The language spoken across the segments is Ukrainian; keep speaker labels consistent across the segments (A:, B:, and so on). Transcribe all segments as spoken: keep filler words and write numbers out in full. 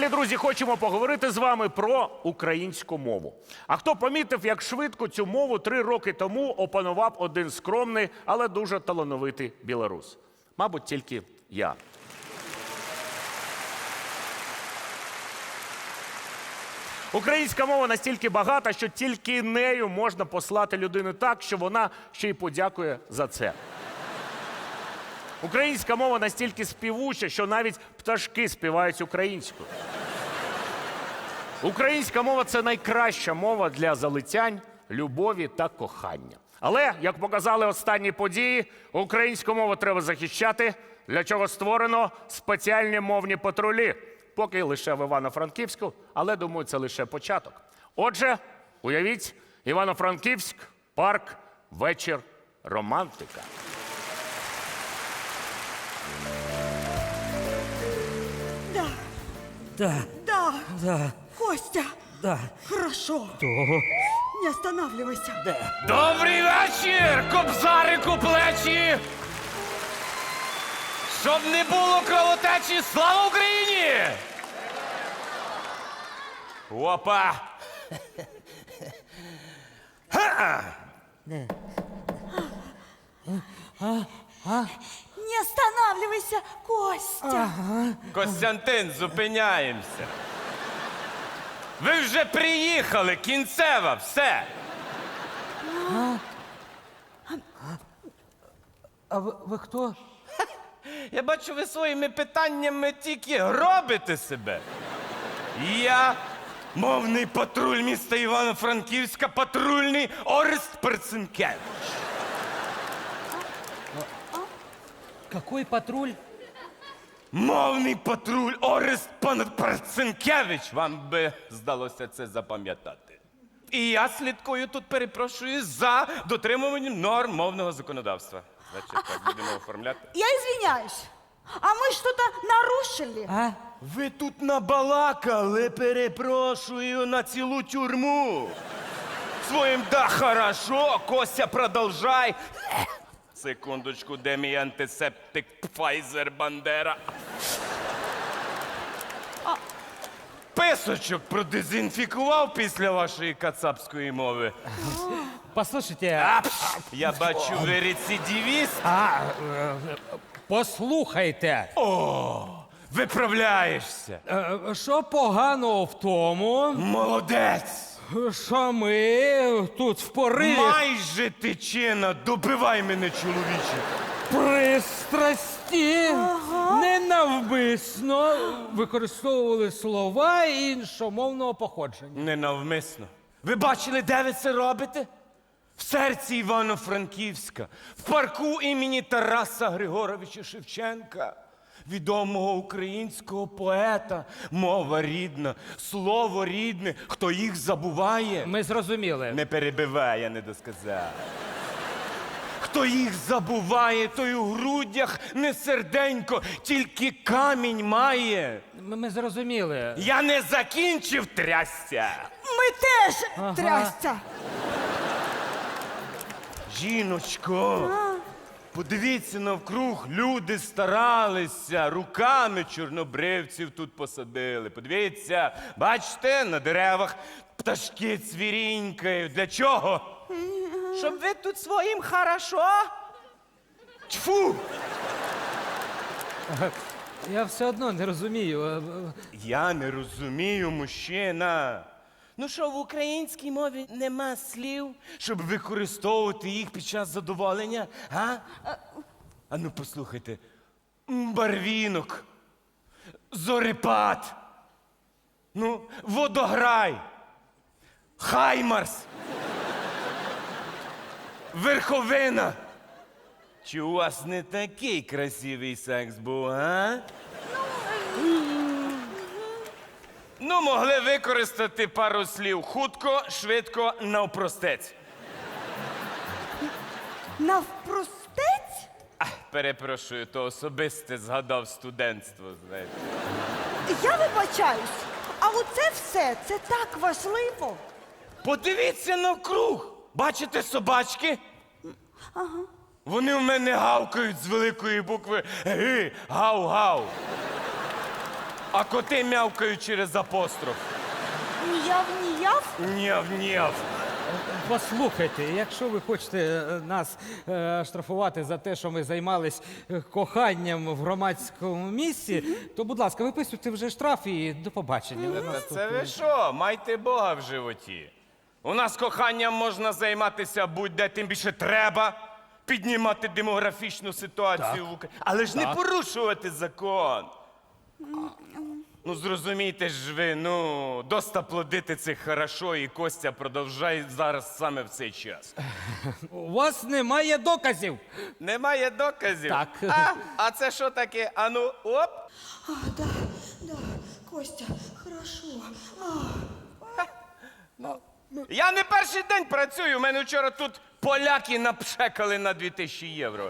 A: далі, друзі, хочемо поговорити з вами про українську мову. А хто помітив, як швидко цю мову три роки тому опанував один скромний, але дуже талановитий білорус? Мабуть, тільки я. Українська мова настільки багата, що тільки нею можна послати людину так, що вона ще й подякує за це. Українська мова настільки співуча, що навіть пташки співають українською. Українська мова – це найкраща мова для залицянь, любові та кохання. Але, як показали останні події, українську мову треба захищати, для чого створено спеціальні мовні патрулі. Поки лише в Івано-Франківську, але, думаю, це лише початок. Отже, уявіть, Івано-Франківськ, парк, вечір, романтика.
B: Да,
C: Да,
B: да,
C: да,
B: Костя,
C: да.
B: хорошо,
C: Того.
B: не останавливайся.
C: Да.
D: Добрий вечір, кобзарику плечі! Щоб не було кровотечі, слава Україні! Опа!
B: Не останавливайся, Костя.
D: Костянтин, зупиняємося. Ви вже приїхали, кінцева, все.
C: А ви, ви хто?
D: Я бачу, ви своїми питаннями тільки робите себе. Я мовний патруль міста Івано-Франківська, патрульний Орест Перцинкевич.
C: Какой патруль?
D: Мовний патруль Орест пан Перцинкевич. Вам би здалося це запам'ятати. І я слідкую тут, перепрошую, за дотримуванням норм мовного законодавства. Значить, так будемо оформляти.
B: Я извиняюсь, а мы что-то нарушили?
C: А?
D: Ви тут набалакали, перепрошую, на цілу тюрму. Своїм да хорошо, Костя, продовжай. Секундочку, де мій антисептик Pfizer Бандера? Писочок продезінфікував після вашої кацапської мови.
C: Послушайте,
D: А, пш, я бачу, ви рецидивіст.
C: а, е, послухайте,
D: Виправляєшся.
C: е, що поганого в тому,
D: Молодець.
C: що ми тут в пориві
D: Майже тичина, добивай мене, чоловіче.
C: пристрасті ненавмисно використовували слова іншомовного походження.
D: Ненавмисно. Ви бачили, де ви це робите? В серці Івано-Франківська, в парку імені Тараса Григоровича Шевченка, відомого українського поета. Мова рідна, слово рідне. Хто їх забуває?
C: Ми зрозуміли.
D: Не перебивай, я не досказав. Хто їх забуває, той у грудях не серденько, тільки камінь має.
C: Ми, ми зрозуміли.
D: Я не закінчив, трясся.
B: Мы теж трясся.
D: Жіночко, подивіться навкруг, люди старалися, руками чорнобривців тут посадили. Подивіться, бачите, на деревах пташки цвірінькають. Для чого? Щоб ви тут своїм хорошо? Тьфу!
C: Я все одно не розумію. Е, е,
D: Я не розумію, мужчина. Ну що, в українській мові нема слів, щоб використовувати їх під час задоволення, а? А ну послухайте. Барвінок, зорепад, ну, водограй, хаймарс, верховина. Чи у вас не такий красивий секс був, а? Ну, могли використати пару слів хутко, швидко, навпростець.
B: Навпростець?
D: А, перепрошую, то особисте згадав студентство, знаєте.
B: Я вибачаюсь, а оце все, це так важливо.
D: Подивіться навкруг. Бачите собачки? Ага. Вони в мене гавкають з великої букви Г, гав-гав. А коти мявкають через апостроф.
B: Ніяв, ніяв?
D: Нєв, нєв.
C: Послухайте, якщо ви хочете е, нас е, штрафувати за те, що ми займались е, коханням в громадському місці, то, будь ласка, виписуйте вже штраф і до побачення. У
D: Та
C: нас тут,
D: це ви що? Майте Бога в животі. У нас коханням можна займатися будь-де, тим більше треба піднімати демографічну ситуацію в Україні. Але ж не порушувати закон. Ну, зрозумійте ж ви, ну, доста плодити це хорошо, і Костя продовжає зараз саме в цей час.
C: У вас немає доказів.
D: Немає доказів?
C: Так.
D: А, а це що таке? Ану, оп.
B: А, да, да, Костя, хорошо. А,
D: Я не перший день працюю, у мене вчора тут поляки напшекали на дві тисячі євро.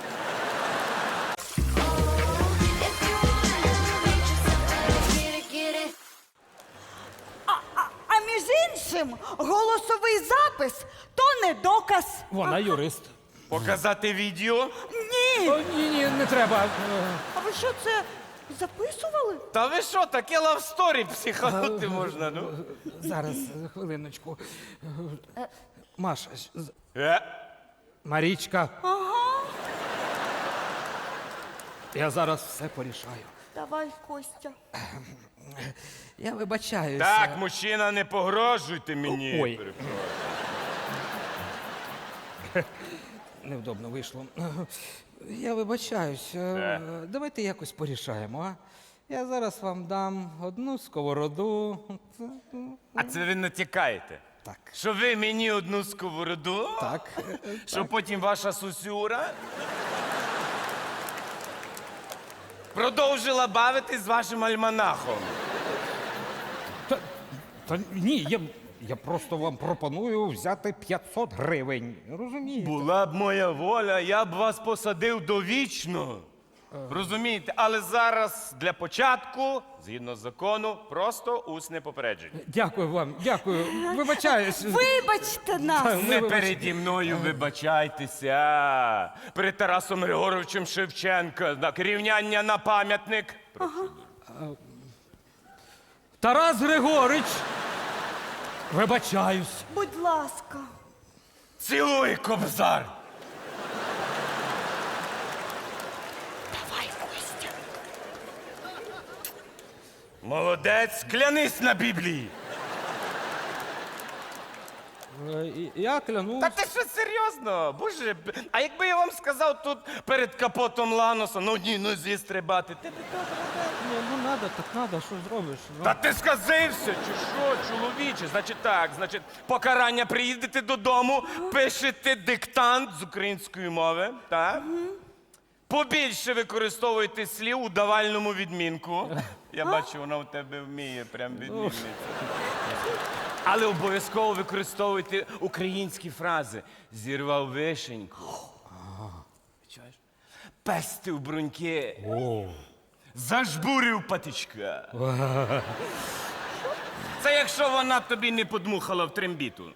B: а між іншим, голосовий запис то не доказ.
C: Вона юрист.
D: Показати відео?
B: Ні.
C: О, ні, ні, не треба. Е,
B: А ви що це записували?
D: Та ви що, таке лавсторі психанути можна, ну?
C: Зараз, е, хвилиночку. Е, Маша, з-
D: Е,
C: Марічка,
B: Ага.
C: я зараз все порішаю.
B: Давай, Костя.
C: Я вибачаюся.
D: так, мужчина, не погрожуйте мені.
C: Ой.
D: Перепрошую.
C: Невдобно вийшло. Я вибачаюсь. Е, Давайте якось порішаємо, а? Я зараз вам дам одну сковороду.
D: А це ви натякаєте?
C: Так.
D: Що ви мені одну сковороду?
C: Так.
D: Що потім ваша сусюра продовжила бавитись з вашим альманахом.
C: Та, та ні, я, я просто вам пропоную взяти п'ятсот гривень. Розумієте?
D: Була б моя воля, я б вас посадив довічно. Розумієте? Але зараз для початку, згідно закону, просто усне попередження.
C: Дякую вам, дякую. Вибачаюсь.
B: Вибачте нас.
C: Ми
D: Не
C: вибач-
D: переді мною вибачайтеся. Перед Тарасом Григоровичем Шевченка. Так, рівняння на пам'ятник.
C: Тарас Григорич. Вибачаюсь.
B: Будь ласка.
D: Цілуй, кобзар!
B: Давай, Костя.
D: Молодець, клянись на Біблії.
C: Е, і- Я клянусь.
D: Та ти що серйозно? Боже, б- а якби я вам сказав тут перед капотом Ланоса на одній нозі стрибати, ти б
C: Ні, ну надо, так надо, що зробиш? Ну.
D: Та ти сказився, чи що, чоловіче? Значить так, значить, покарання приїдете додому, пишете диктант з української мови, так? Побільше використовуйте слів у давальному відмінку. Я бачу, вона у тебе вміє прям відмінниця. Але обов'язково використовуйте українські фрази. Зірвав вишеньку. Чуєш? Пестив бруньки. Зажбурив патичка. Це якщо вона тобі не подмухала в трембіту.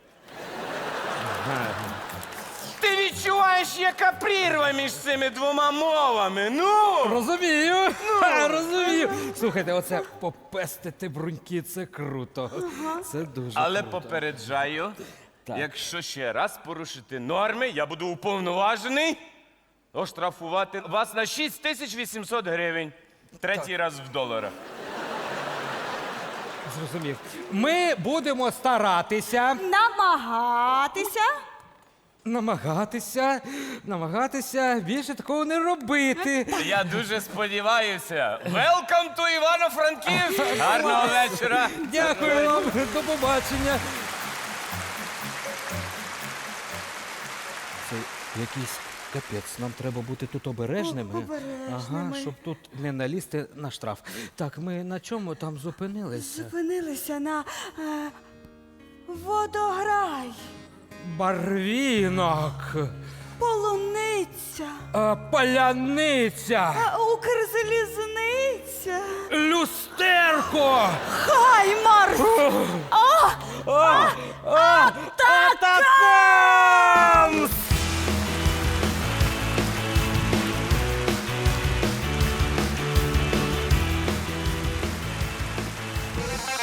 D: Ти відчуваєш, яка прірва між цими двома мовами. Ну!
C: Розумію, Ха, розумію. Слухайте, оце попестити бруньки, це круто. Це дуже
D: Але
C: круто.
D: попереджаю,
C: Так.
D: якщо ще раз порушити норми, я буду уповноважений оштрафувати вас на шість тисяч вісімсот гривень. Третій раз в доларах.
C: Зрозумів. Ми будемо старатися,
B: Намагатися.
C: намагатися, намагатися більше такого не робити.
D: Я дуже сподіваюся. Welcome to Івано-Франківськ! Гарного вечора!
C: Дякую вам, до побачення. Це якийсь капець. Нам треба бути тут обережними.
B: О, обережними.
C: Ага, щоб тут не налізти на штраф. Так, ми на чому там зупинилися?
B: Зупинилися на е, водограй,
C: Барвінок,
B: полуниця,
C: е, паляниця,
B: е, Укрзалізниця,
C: люстерко.
B: Хаймарс. А,
C: А, а, Атакамс!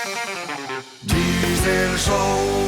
E: Diesel Show.